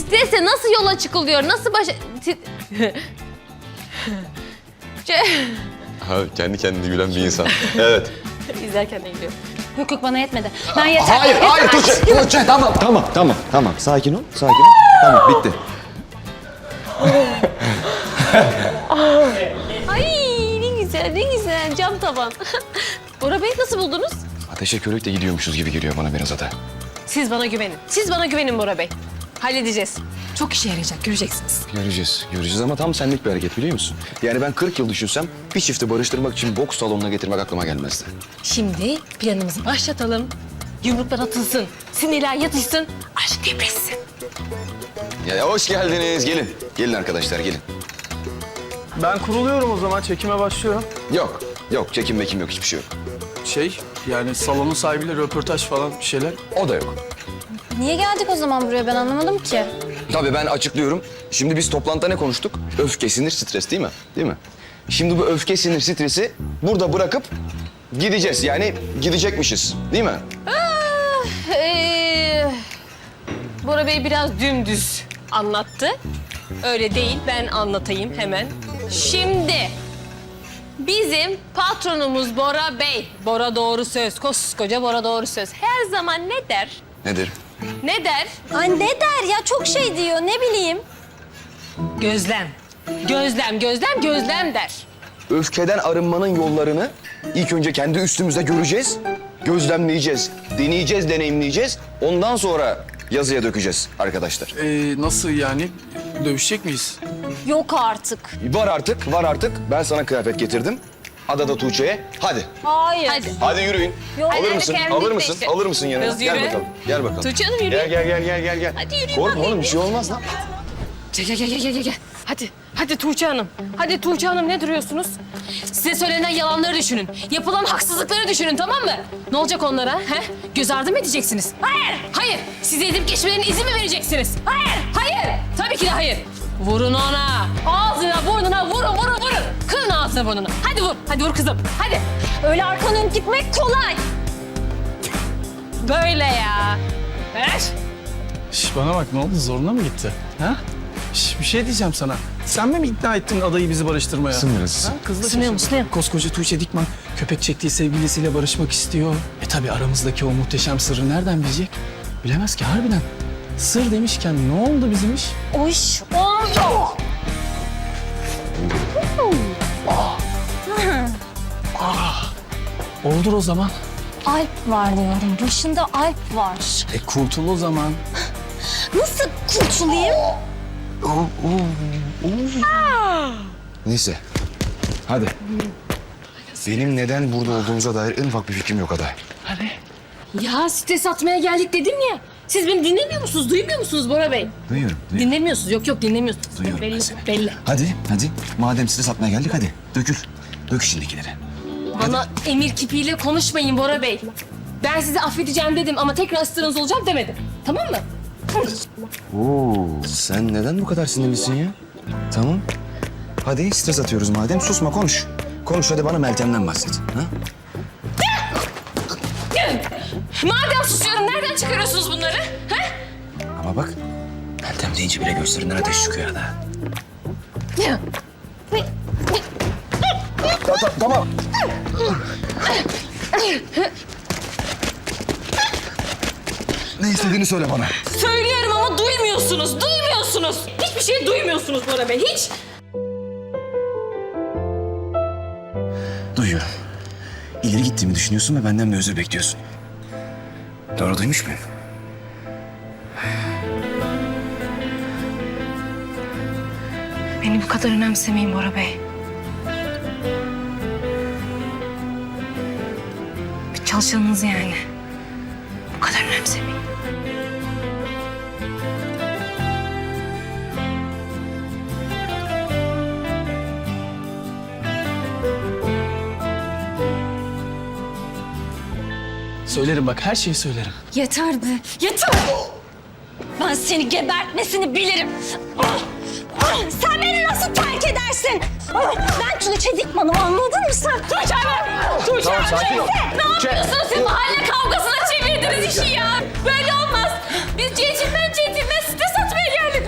Stresle nasıl yola çıkılıyor? Nasıl Ha, kendi kendine gülen bir insan. Evet. İzlerken de gülüyor. Yok yok bana yetmedi. Ben yeter. Hayır Tuğçe tamam. Sakin ol. Tamam bitti. Ay ne güzel cam tavan. Bora Bey nasıl buldunuz? Ateşe körükle gidiyormuşuz gibi geliyor bana biraz da. Siz bana güvenin Bora Bey. Halledeceğiz. Çok işe yarayacak, göreceksiniz. Göreceğiz ama tam senlik bir hareket biliyor musun? Yani ben 40 yıl düşünsem bir çifti barıştırmak için boks salonuna getirmek aklıma gelmezdi. Şimdi planımızı başlatalım. Yumruklar atılsın, sinirler yatışsın, aşk depresin. Ya hoş geldiniz. Gelin arkadaşlar gelin. Ben kuruluyorum o zaman, çekime başlıyorum. Yok çekim mekim yok hiçbir şey yok. Yani salonun sahibiyle röportaj falan bir şeyler. O da yok. Niye geldik o zaman buraya ben anlamadım ki. Tabii ben açıklıyorum. Şimdi biz toplantıda ne konuştuk? Öfke, sinir, stres değil mi? Değil mi? Şimdi bu öfke, sinir, stresi burada bırakıp gideceğiz. Yani gidecekmişiz değil mi? Bora Bey biraz dümdüz anlattı. Öyle değil, ben anlatayım hemen. Şimdi bizim patronumuz Bora Bey. Bora doğru söz, koskoca Bora doğru söz. Her zaman ne der? Nedir? Ne der? Ay ne der ya çok şey diyor ne bileyim. Gözlem. Gözlem der. Öfkeden arınmanın yollarını ilk önce kendi üstümüzde göreceğiz, gözlemleyeceğiz, deneyeceğiz, deneyimleyeceğiz. Ondan sonra yazıya dökeceğiz arkadaşlar. Nasıl yani? Dövüşecek miyiz? Yok artık. Var artık. Ben sana kıyafet getirdim. Ada da Tuğçe'ye. Hadi. Hayır. Hadi yürüyün. Yok. Alır Hadi, mısın? hadi, Alır kendin mısın? işte. Alır mısın yanına? Biraz Gel yürü. bakalım. Gel bakalım. Tuğçe Hanım yürü. Gel. Hadi yürüyün Korkma bakayım. oğlum bir şey olmaz lan. Gel. Hadi Tuğçe Hanım. Hadi Tuğçe Hanım ne duruyorsunuz? Size söylenen yalanları düşünün. Yapılan haksızlıkları düşünün tamam mı? Ne olacak onlara? He? Göz ardı mı edeceksiniz? Hayır. Size edip geçmelerine izin mi vereceksiniz? Hayır. Tabii ki de hayır. Vurun ona. Ağzına, burnuna vurun. Kırın ağzına burnunu. Hadi vur kızım. Hadi. Öyle arkanı dönüp gitmek kolay. Böyle ya. Ver. Bana bak ne oldu? Zoruna mı gitti? Ha? Bir şey diyeceğim sana. Sen mi ikna ettin adayı bizi barıştırmaya? Sınırız. Ha? Kızla Isınıyor şaşırdım. musun? Koskoca Tuğçe Dikman köpek çektiği sevgilisiyle barışmak istiyor. Tabii aramızdaki o muhteşem sırrı nereden bilecek? Bilemez ki harbiden. Sır demişken ne oldu bizim iş? O iş oldu. Oldur o zaman. Alp var diyorum. Başında Alp var. Kurtul o zaman. Nasıl kurtulayım? Neyse. Hadi. Benim neden burada olduğumuza dair en ufak bir fikrim yok Ada. Ya stres atmaya geldik dedim ya. Siz beni dinlemiyor musunuz? Duymuyor musunuz Bora Bey? Duyuyorum. Dinlemiyorsunuz. Yok dinlemiyorsunuz. Duyuyorum ben Belli, seni. belli. Hadi. Madem size satmaya geldik hadi. Dökül. Dök içindekileri. Bana emir kipiyle konuşmayın Bora Bey. Ben sizi affedeceğim dedim ama tekrar ısrarınız olacağım demedim. Tamam mı? Oo, sen neden bu kadar sinirlisin ya? Tamam. Hadi stres atıyoruz madem. Susma konuş. Konuş hadi bana Meltem'den bahset. Ha? Madem susuyorum nereden çıkarıyorsunuz bunları? Ha? Ama bak Meltem deyince bile göğüslerinden ateş çıkıyor Ada. Tamam. Ne istediğini söyle bana. Söylüyorum ama duymuyorsunuz. Hiçbir şey duymuyorsunuz Bora Bey, hiç. Duyuyorum. İleri gittiğimi düşünüyorsun ve benden bir özür bekliyorsun. Doğru duymuş muyum? Beni bu kadar önemsemeyin Bora Bey. Bir çalışanınız yani. Bu kadar önemsemeyin. Söylerim bak her şeyi söylerim. Yeter be. Yeter. Ben seni gebertmesini bilirim. Sen beni nasıl terk edersin? Ben Tuğçe Dikman'ım anladın mı sen? Tuğçe Hanım! Tuğçe Hanım! sakin ol. Ne yapıyorsunuz siz? Mahalle kavgasına çevirdiniz işi ya. Böyle olmaz. Biz centilmen stres atmaya geldik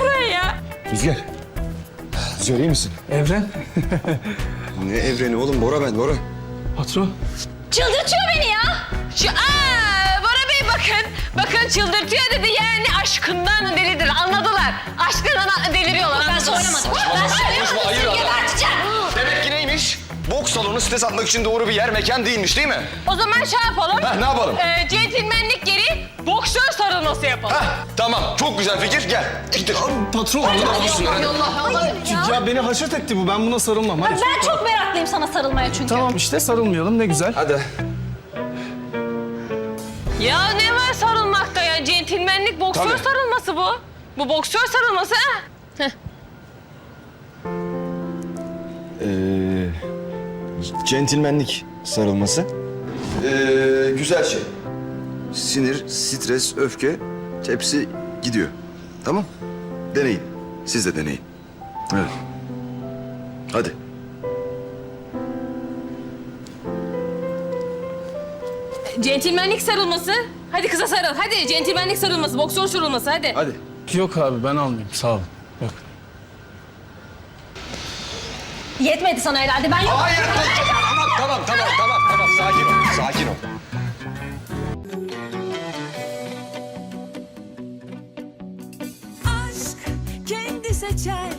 Rüzgar. Rüzgar iyi misin? Evren. Ne evreni oğlum? Bora ben, Bora. Patron. Çıldırtıyor beni ya. Bora Bey bakın. Bakın çıldırtıyor dedi yani aşkından delidir. Anladılar. Aşkından deliriyorlar. Ben söylemadım. Ben söylemadım. hayır Seni adam. geberteceğim. Demek ki neymiş? Boks salonu stres atmak için doğru bir yer, mekan değilmiş değil mi? O zaman şey yapalım. Heh, ne yapalım? Centilmenlik geri boksör sarılması yapalım. Heh, tamam. Çok güzel fikir. Gel. Gittir. Patron. Ya beni haşet etti bu. Ben buna sarılmam. Hadi. Ben çok meraklıyım sana sarılmaya çünkü. Tamam işte sarılmayalım ne güzel. Hadi. Ya ne var sarılmakta ya? Centilmenlik boksör Tabii. sarılması bu. Bu boksör sarılması ha? Centilmenlik sarılması. Güzel şey. Sinir, stres, öfke hepsi gidiyor. Tamam? Deneyin. Siz de deneyin. Evet. Hadi. Centilmenlik sarılması. Hadi kıza sarıl. Hadi centilmenlik sarılması, boksör sarılması hadi. Hadi. Yok abi ben almayayım sağ olun. Yok. Yetmedi sana herhalde. Ben yok. Hayır. Tamam. Sakin ol. Sakin ol. aşk kendi seçer